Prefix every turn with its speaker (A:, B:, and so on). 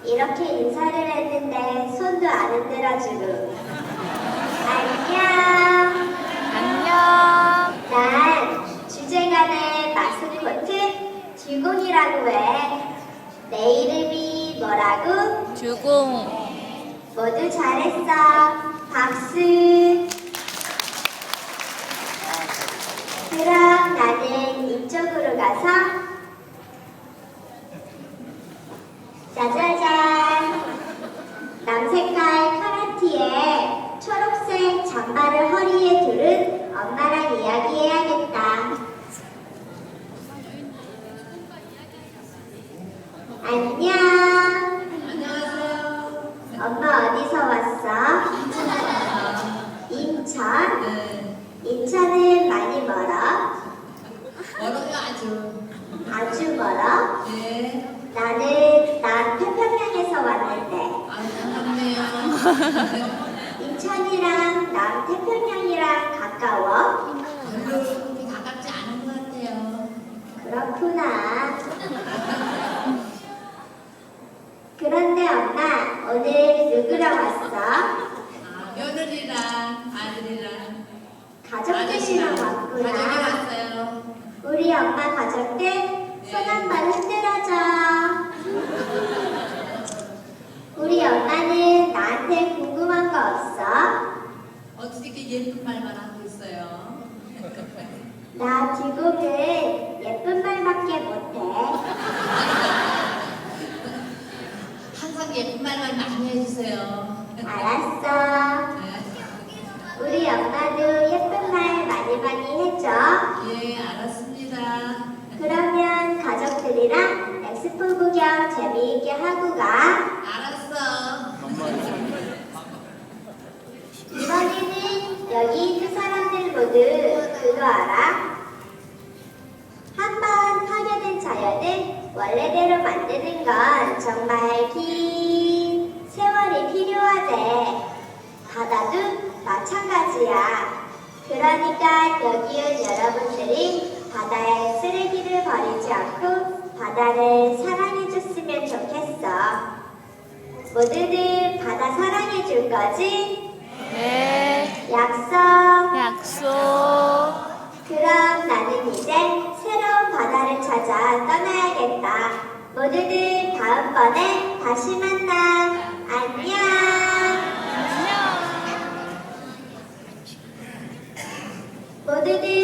A: 이렇게 인사를 했는데 손도 안 흔들어주고. 안녕.
B: 안녕.
A: 난 주제가의 마스코트 듀공이라고 해. 내 이름이 뭐라고?
B: 주공.
A: 모두 잘했어. 박수. 그럼 나는 이쪽으로 가서 짜자잔, 남색깔 카라티에 초록색 잠바를 허리에 두른 엄마랑 이야기해야겠다. 안녕.
C: 안녕하세요.
A: 엄마 어디서 왔어? 인천?
C: 네.
A: 인천은 많이 멀어?
C: 멀어요 아주.
A: 아주 멀어?
C: 네.
A: 나는 남태평양에서 왔는데
C: 반갑네요.
A: 인천이랑 남태평양이랑 가까워?
C: 별로 그렇게 가깝지 않은 것 같아요.
A: 그렇구나. 그런데 엄마, 오늘 누구랑 왔어?
C: 며느리랑 아들이랑
A: 가족들이랑
C: 가족이
A: 왔구나.
C: 왔어요.
A: 우리 엄마 가족들 손 한 번 흔들어줘. 우리 엄마는 나한테 궁금한 거 없어?
C: 어떻게 이렇게 예쁜 말만 하고 있어요?
A: 나 듀공은 예쁜 말밖에 못해.
C: 항상 예쁜 말만 많이 해주세요.
A: 알았어.
C: 네.
A: 우리 엄마도 예쁜 말 많이 많이 해줘.
C: 예, 알았습니다.
A: 그러면 가족들이랑 엑스포 구경 재미있게 하고 가.
C: 알았어.
A: 이번에는 여기 있는 사람들 모두 그거 알아? 한번 파괴된 자연을 원래대로 만드는 건 정말 긴 세월이 필요하대. 바다도 마찬가지야. 그러니까 여기 온 여러분들이 바다에 쓰레기를 버리지 않고 바다를 사랑해줬으면 좋겠어. 모두들 바다 사랑해줄 거지?
B: 네.
A: 약속.
B: 약속.
A: 그럼 나는 이제 새로운 바다를 찾아 떠나야겠다. 모두들 다음번에 다시 만나. 안녕.